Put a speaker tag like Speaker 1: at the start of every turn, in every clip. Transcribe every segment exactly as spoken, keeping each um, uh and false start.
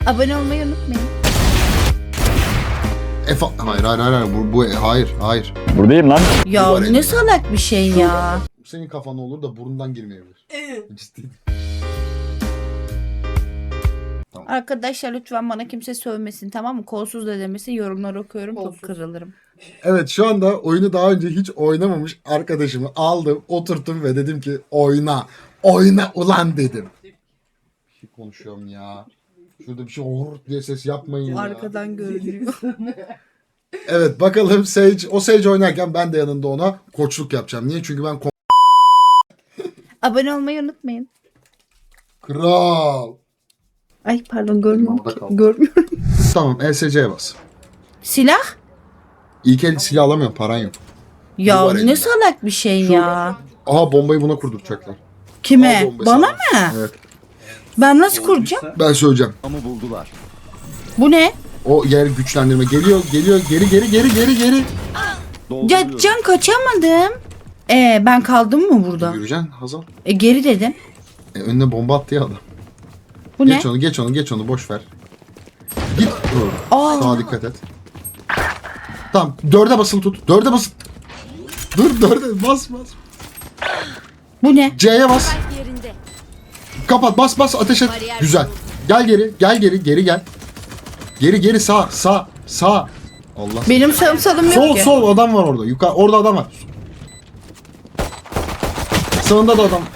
Speaker 1: Abone olmayı unutmayın.
Speaker 2: Efa hayır hayır hayır bu, bu hayır hayır.
Speaker 3: Buradayım lan.
Speaker 1: Ya
Speaker 2: Var
Speaker 1: ne
Speaker 2: elinde.
Speaker 1: salak bir şey ya.
Speaker 2: Senin kafan olur da burundan girmeyebilir. Ciddi.
Speaker 1: Arkadaşlar lütfen bana kimse sövmesin, tamam mı? Kolsuz da demesin, yorumlar okuyorum, top kırılırım.
Speaker 2: Evet, şu anda oyunu daha önce hiç oynamamış arkadaşımı aldım, oturttum ve dedim ki oyna. Oyna ulan dedim. Bir şey konuşuyorum ya. Şurada bir şey hor diye ses yapmayın ya.
Speaker 1: Arkadan görünüyor.
Speaker 2: Evet, bakalım Sage, o Sage oynarken ben de yanında ona koçluk yapacağım. Niye? Çünkü ben ko-
Speaker 1: Abone olmayı unutmayın.
Speaker 2: Kral.
Speaker 1: Ay pardon, görmüyorum
Speaker 2: Orada
Speaker 1: ki.
Speaker 2: kaldı.
Speaker 1: Görmüyorum.
Speaker 2: Tamam, E S C'ye bas.
Speaker 1: Silah?
Speaker 2: İlk el silah alamıyorum, paran yok.
Speaker 1: Ya
Speaker 2: var
Speaker 1: ne
Speaker 2: elinde.
Speaker 1: salak bir şey ya.
Speaker 2: Aha, bombayı buna kurduracaklar. Al
Speaker 1: Kime?
Speaker 2: bombayı
Speaker 1: Bana
Speaker 2: sana.
Speaker 1: mı?
Speaker 2: Evet,
Speaker 1: Ben nasıl kuracağım?
Speaker 2: ben söyleyeceğim.
Speaker 3: Ama buldular.
Speaker 1: Bu ne?
Speaker 2: O yer güçlendirme geliyor, geliyor, geri geri geri geri geri.
Speaker 1: Ya can kaçamadım. Ee ben kaldım mı burada?
Speaker 2: Yürüyeceksin Hazal.
Speaker 1: E geri dedim.
Speaker 2: E, önüne bomba attı ya adam.
Speaker 1: Bu
Speaker 2: Geç
Speaker 1: ne?
Speaker 2: onu, geç onu, geç onu, boş ver. Git. Dur.
Speaker 1: Aa.
Speaker 2: Sağa dikkat et. Tamam, dörde basılı tut. Dörde basılı. Dur, dörde bas bas.
Speaker 1: Bu ne?
Speaker 2: C'ye bas. Kapat, bas bas, ateş et. Güzel. Gel geri, gel geri, geri gel. Geri geri sağ, sağ, sağ. Allah.
Speaker 1: Benim sarımsalım yok
Speaker 2: Sol
Speaker 1: ki.
Speaker 2: sol adam var orada. Yukarı orada adam var. Sağında da adam.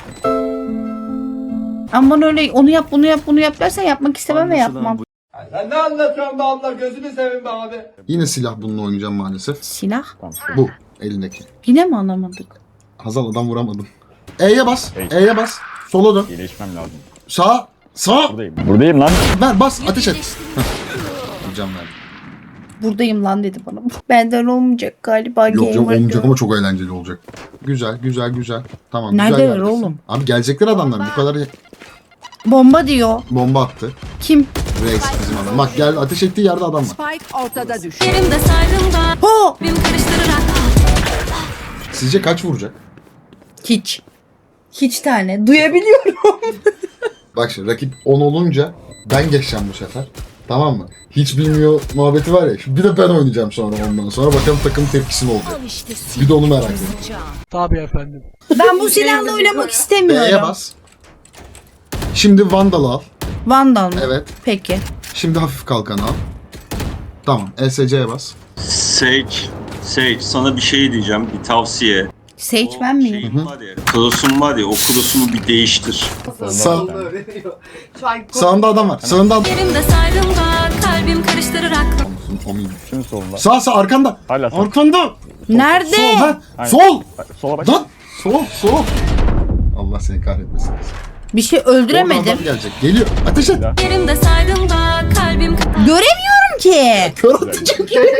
Speaker 1: Ama bana öyle onu yap bunu yap bunu yap dersen yapmak istemem ve yapmam.
Speaker 4: Sen ne anlatıyorsun be abla? Gözünü seveyim be abi.
Speaker 2: Yine silah bununla oynayacağım maalesef.
Speaker 1: Silah?
Speaker 2: Bu elindeki.
Speaker 1: Yine mi anlamadık?
Speaker 2: Hazal, adam vuramadın. E'ye bas.
Speaker 3: Hey.
Speaker 2: E'ye bas. Sola dön.
Speaker 3: İyileşmem lazım.
Speaker 2: Sağ. Sağ.
Speaker 3: Buradayım. Buradayım lan.
Speaker 2: Ver, bas, ateş et. Hocam ver.
Speaker 1: Buradayım lan dedi bana. Benden olmayacak galiba.
Speaker 2: Yok yok,
Speaker 1: gamer
Speaker 2: olmayacak
Speaker 1: girl.
Speaker 2: ama çok eğlenceli olacak. Güzel güzel güzel. Tamam.
Speaker 1: Neredeler
Speaker 2: güzel yerdesin.
Speaker 1: oğlum?
Speaker 2: Abi gelecekler adamlar. Bu kadar
Speaker 1: Bomba diyor.
Speaker 2: bomba attı.
Speaker 1: Kim?
Speaker 2: Reis bizim adam. Bak gel, ateş ettiği yerde adam var.
Speaker 5: Spike ortada düştü.
Speaker 6: Yerimde saydım da
Speaker 1: Ho!
Speaker 6: bir karıştırarak
Speaker 2: Sizce kaç vuracak?
Speaker 1: Hiç. Hiç tane. Duyabiliyorum.
Speaker 2: Bak şimdi rakip on olunca ben geçeceğim bu sefer. Tamam mı? Hiç bilmiyor muhabbeti var ya. Şimdi bir de ben oynayacağım sonra ondan sonra. Bakalım takım tepkisi ne olacak. Bir de onu merak ediyorum.
Speaker 1: Ben bu silahla oynamak
Speaker 2: B'ye
Speaker 1: istemiyorum.
Speaker 2: bas. Şimdi Vandal'ı al.
Speaker 1: Vandal mı?
Speaker 2: Evet.
Speaker 1: Peki.
Speaker 2: Şimdi hafif kalkanı al. Tamam. E S C'ye bas.
Speaker 7: Sage, Sage sana bir şey diyeceğim, bir tavsiye.
Speaker 1: Sage
Speaker 7: O
Speaker 1: ben miyim?
Speaker 7: şeyin var ya, Klosun var ya, o klosumu bir değiştir.
Speaker 2: Sağ, sağında adam var. Sağında adam.
Speaker 6: yerimde saydım da kalbim karıştırarak
Speaker 3: Şimdi solunda.
Speaker 2: Sağ sağ arkanda.
Speaker 3: Hala sağ.
Speaker 2: Arkanda.
Speaker 1: Nerede?
Speaker 2: Sol ha.
Speaker 3: Aynen.
Speaker 2: Sol.
Speaker 3: Sola bak.
Speaker 2: Lan. Sol sol. Allah seni kahretmesin.
Speaker 1: Bir şey
Speaker 2: Oradan
Speaker 1: öldüremedim.
Speaker 2: adam gelecek. Geliyor. Ateş et.
Speaker 6: yerimde saydım da kalbim
Speaker 1: Göremiyorum ki.
Speaker 2: Kör atacak.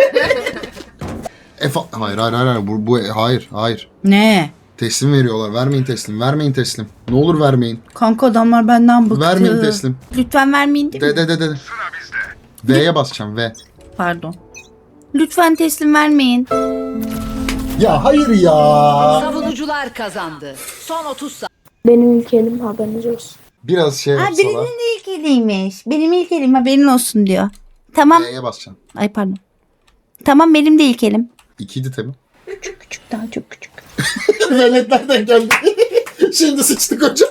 Speaker 2: Efa hayır hayır hayır hayır. Bu, bu hayır hayır.
Speaker 1: Ne?
Speaker 2: Teslim veriyorlar. Vermeyin teslim. Vermeyin teslim. Ne olur vermeyin.
Speaker 1: Kanka adamlar benden bıktı.
Speaker 2: Vermeyin teslim.
Speaker 1: Lütfen vermeyin değil mi?
Speaker 2: De de de de. V'ye basacağım V.
Speaker 1: Pardon. Lütfen teslim vermeyin.
Speaker 2: Ya hayır ya.
Speaker 5: Savunucular kazandı. Son otuz saniye.
Speaker 8: Benim ülkenim, haberiniz olsun.
Speaker 2: Biraz şey
Speaker 1: Ha
Speaker 2: yapsalar.
Speaker 1: birinin de ilk eliymiş. Benim ilk elim haberin olsun diyor. Tamam.
Speaker 2: V'ye basacağım.
Speaker 1: Ay pardon. Tamam benim de ilk elim.
Speaker 2: İkiydi tabi.
Speaker 1: Küçük küçük daha çok küçük.
Speaker 2: Veletlerden geldi. Şimdi sıçtık hocam.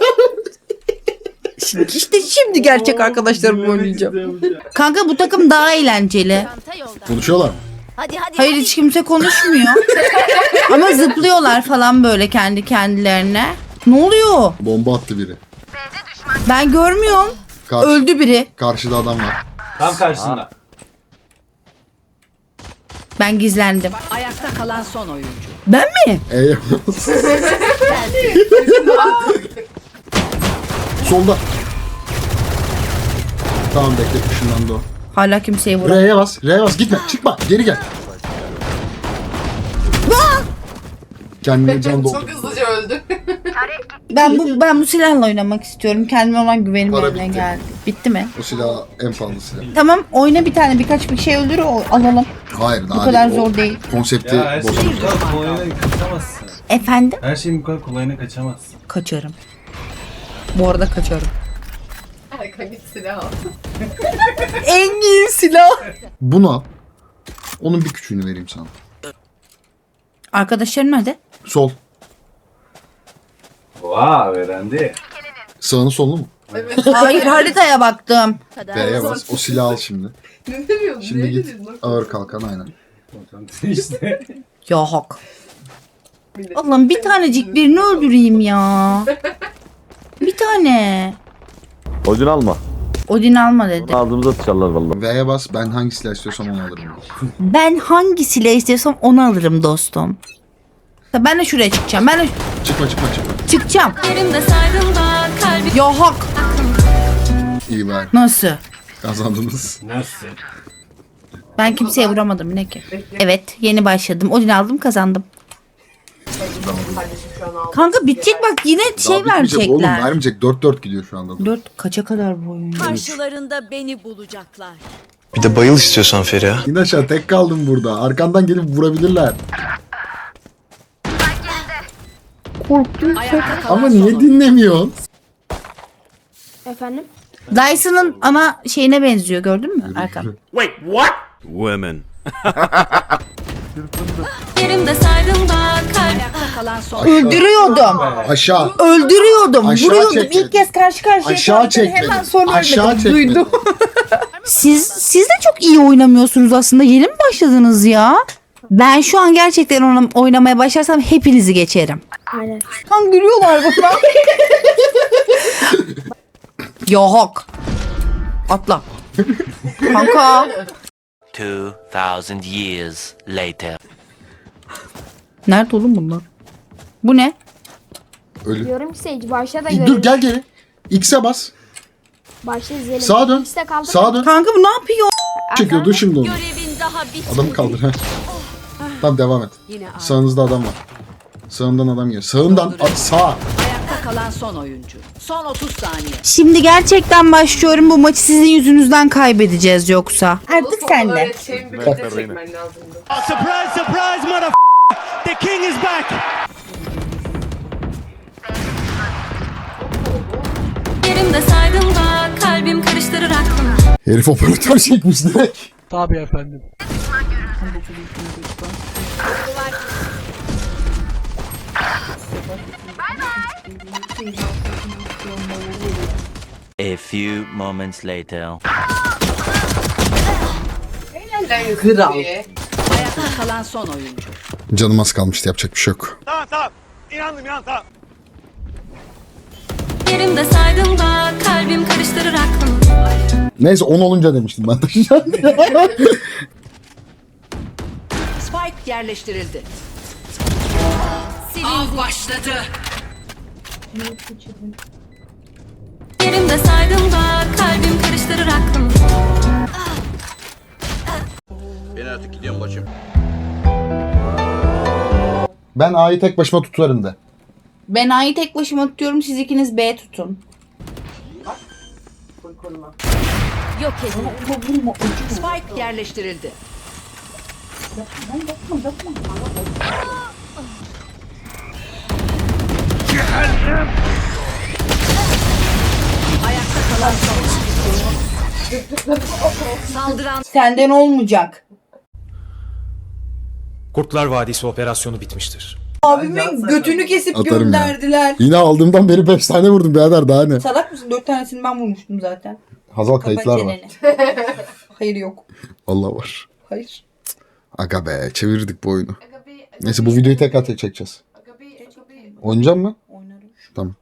Speaker 1: İşte şimdi gerçek arkadaşlarımla oynayacağım. Kanka bu takım daha eğlenceli.
Speaker 2: Konuşuyorlar mı?
Speaker 1: Hayır hiç kimse konuşmuyor. Ama zıplıyorlar falan böyle kendi kendilerine. Ne oluyor?
Speaker 2: Bomba attı biri.
Speaker 1: Ben görmüyorum.
Speaker 2: Karşı,
Speaker 1: Öldü biri.
Speaker 2: Karşıda adam var.
Speaker 4: Tam karşısında.
Speaker 1: Ben gizlendim.
Speaker 5: Ayakta kalan son oyuncu.
Speaker 1: Ben mi?
Speaker 2: E'ye bas. Solda. Tamam bekle, ışınlandı o.
Speaker 1: Hala kimseye vuramam.
Speaker 2: R'ye bas. R'ye bas. Gitme. Çıkma. Geri gel. Kendine can doldu.
Speaker 9: hızlıca öldü.
Speaker 1: Ben bu ben bu silahla oynamak istiyorum. Kendime olan güvenim
Speaker 2: Para
Speaker 1: yerine
Speaker 2: bitti.
Speaker 1: geldi. Bitti mi?
Speaker 2: O silah en pahalı silah.
Speaker 1: Tamam oyna bir tane birkaç bir şey öldür o- alalım.
Speaker 2: Hayır daha
Speaker 1: Bu kadar
Speaker 2: değil. O
Speaker 1: zor değil.
Speaker 2: Konsepti
Speaker 4: Ya her şeyin
Speaker 2: bozuldu.
Speaker 4: bu kadar kolayına kaçamazsın.
Speaker 1: Efendim?
Speaker 4: Her şeyin bu kadar kolayına kaçamazsın.
Speaker 1: Kaçarım. Bu arada kaçarım.
Speaker 9: Kanka git silah al.
Speaker 1: En iyi silah.
Speaker 2: Bunu al. Onun bir küçüğünü vereyim sana.
Speaker 1: Arkadaşların nerede?
Speaker 2: Sol.
Speaker 4: Vaa öğrendi.
Speaker 2: Sağını solunu mu?
Speaker 1: Hayır, haritaya baktım.
Speaker 2: B'ye bas. O silahı al şimdi.
Speaker 9: Ne demiyorsun?
Speaker 2: Şimdi
Speaker 9: Ne
Speaker 2: git.
Speaker 9: dedin?
Speaker 2: Ağır kalkan aynen.
Speaker 4: işte.
Speaker 1: Ya hak. Allah'ım bir tanecik birini öldüreyim ya. Bir tane.
Speaker 3: Odin alma.
Speaker 1: Odin alma dedi.
Speaker 3: Ağzımıza sıçarlar vallahi.
Speaker 2: V'ye bas. Ben hangi silah istiyorsam onu alırım.
Speaker 1: Ben hangi silahı istiyorsam onu alırım dostum. Ya ben de şuraya çıkacağım. Ben de
Speaker 2: Çıkma çıkma çıkma.
Speaker 1: çıkacağım.
Speaker 6: Yerimde saydım da kalbim
Speaker 1: Ya hak.
Speaker 2: İyi ver.
Speaker 1: Nasıl?
Speaker 2: Kazandınız.
Speaker 4: Nasıl?
Speaker 1: Ben kimseye vuramadım ne ki? Evet, yeni başladım. Odin aldım, kazandım.
Speaker 9: Kardeşim şu an aldı.
Speaker 1: Kanka bitecek bak, yine şey
Speaker 2: Daha bitmeyecek oğlum.
Speaker 1: verecekler.
Speaker 2: Vermeyecek. dört dört gidiyor şu anda.
Speaker 1: Dört kaça kadar bu oyun?
Speaker 5: Karşılarında beni bulacaklar.
Speaker 10: Bir de bayıl istiyorsan Feriha.
Speaker 2: İn aşağı, tek kaldım burada. Arkandan gelip vurabilirler.
Speaker 5: Ayakta kalan
Speaker 2: Ama
Speaker 5: son
Speaker 2: niye
Speaker 5: oyuncu.
Speaker 2: dinlemiyorsun?
Speaker 8: Efendim?
Speaker 1: Dyson'ın ana şeyine benziyor, gördün mü Erkan?
Speaker 10: Women.
Speaker 6: yerimde saydım da kalbim
Speaker 5: Ayakta kalan son
Speaker 1: Öldürüyordum.
Speaker 2: Aşağı.
Speaker 1: Öldürüyordum.
Speaker 2: Aşağı
Speaker 1: vuruyordum.
Speaker 2: çekmedin.
Speaker 1: İlk kez karşı karşıya
Speaker 2: Aşağı
Speaker 1: kaldım.
Speaker 2: çekmedin.
Speaker 1: Hemen sonra
Speaker 2: Aşağı
Speaker 1: ölmedim.
Speaker 2: çekmedin.
Speaker 1: Duydum. siz, siz de çok iyi oynamıyorsunuz aslında. Yeni mi başladınız ya? Ben şu an gerçekten oyna- oynamaya başlarsam hepinizi geçerim.
Speaker 8: Aynen.
Speaker 1: Kan gülüyorlar bana. Ya hak. Atla. Kanka.
Speaker 10: Two thousand years later.
Speaker 1: Nerede oğlum bunlar? Bu ne?
Speaker 2: Ölü.
Speaker 8: Diyorum ki Sage başla da
Speaker 2: Dur
Speaker 8: görelim.
Speaker 2: gel geri. X'e bas.
Speaker 8: Başla izleyelim.
Speaker 2: Sağa dön.
Speaker 8: X'te kaldı.
Speaker 2: Sağa dön.
Speaker 1: Kanka bu ne yapıyor?
Speaker 2: Çekiyordu şimdi onu.
Speaker 5: görevin daha bitmedi.
Speaker 2: Adamı kaldır. Heh. Tamam devam et.
Speaker 5: Yine aynı.
Speaker 2: Sağınızda adam var. Sağından adam geliyor. Sağından at, sağ.
Speaker 5: Ayakta kalan son oyuncu. Son otuz saniye.
Speaker 1: Şimdi gerçekten başlıyorum. Bu maçı sizin yüzünüzden kaybedeceğiz yoksa. Artık
Speaker 9: Oğlum,
Speaker 1: sen de.
Speaker 9: öğreteceğim bir de çekmen lazımdı.
Speaker 10: Surprise, surprise, mother. The king is back.
Speaker 6: yerimde saydım da kalbim karıştırır aklımı.
Speaker 2: Herif operatör çekmiş direkt.
Speaker 10: Tabii efendim. A few moments later.
Speaker 9: Kral.
Speaker 5: Ayakta kalan son oyuncu.
Speaker 2: Canım az kalmıştı, yapacak bir şey yok.
Speaker 10: Tamam tamam. İnandım ya tamam.
Speaker 6: Yerimde saydım da kalbim karıştırır aklımı.
Speaker 2: Neyse on olunca demiştim ben de.
Speaker 5: Spike yerleştirildi. Av başladı.
Speaker 6: Yerimde saydım da kalbim karıştırır aklımı.
Speaker 10: Ben artık gidiyorum bacım.
Speaker 2: Ben A'yı tek başıma tutarım de.
Speaker 1: Ben A'yı tek başıma tutuyorum. Siz ikiniz B tutun.
Speaker 5: Yok edildi. Spike yerleştirildi. Ayakta kalan son oyuncu. Saldıran
Speaker 1: Senden olmayacak.
Speaker 10: Kurtlar Vadisi operasyonu bitmiştir.
Speaker 1: Abimin götünü kesip
Speaker 2: Atarım ya.
Speaker 1: gönderdiler.
Speaker 2: Yine aldığımdan beri beş tane vurdum birader, daha ne?
Speaker 1: Salak mısın? Dört tanesini ben vurmuştum zaten.
Speaker 2: Hazal
Speaker 1: Kapat
Speaker 2: kayıtlar var.
Speaker 1: çeneni. Hayır yok.
Speaker 2: Allah var.
Speaker 1: Hayır.
Speaker 2: Aga be, çevirdik bu oyunu. Neyse bu videoyu tekrar tek çekeceğiz. Oynayacak mı?
Speaker 1: Oynarım.
Speaker 2: Tamam.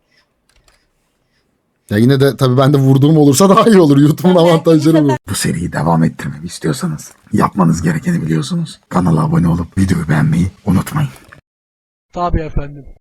Speaker 2: Ya yine de tabii ben de vurduğum olursa daha iyi olur. YouTube'un avantajları bu. Bu seriyi devam ettirmemi istiyorsanız yapmanız gerekeni biliyorsunuz. Kanala abone olup videoyu beğenmeyi unutmayın.
Speaker 10: Tabii efendim.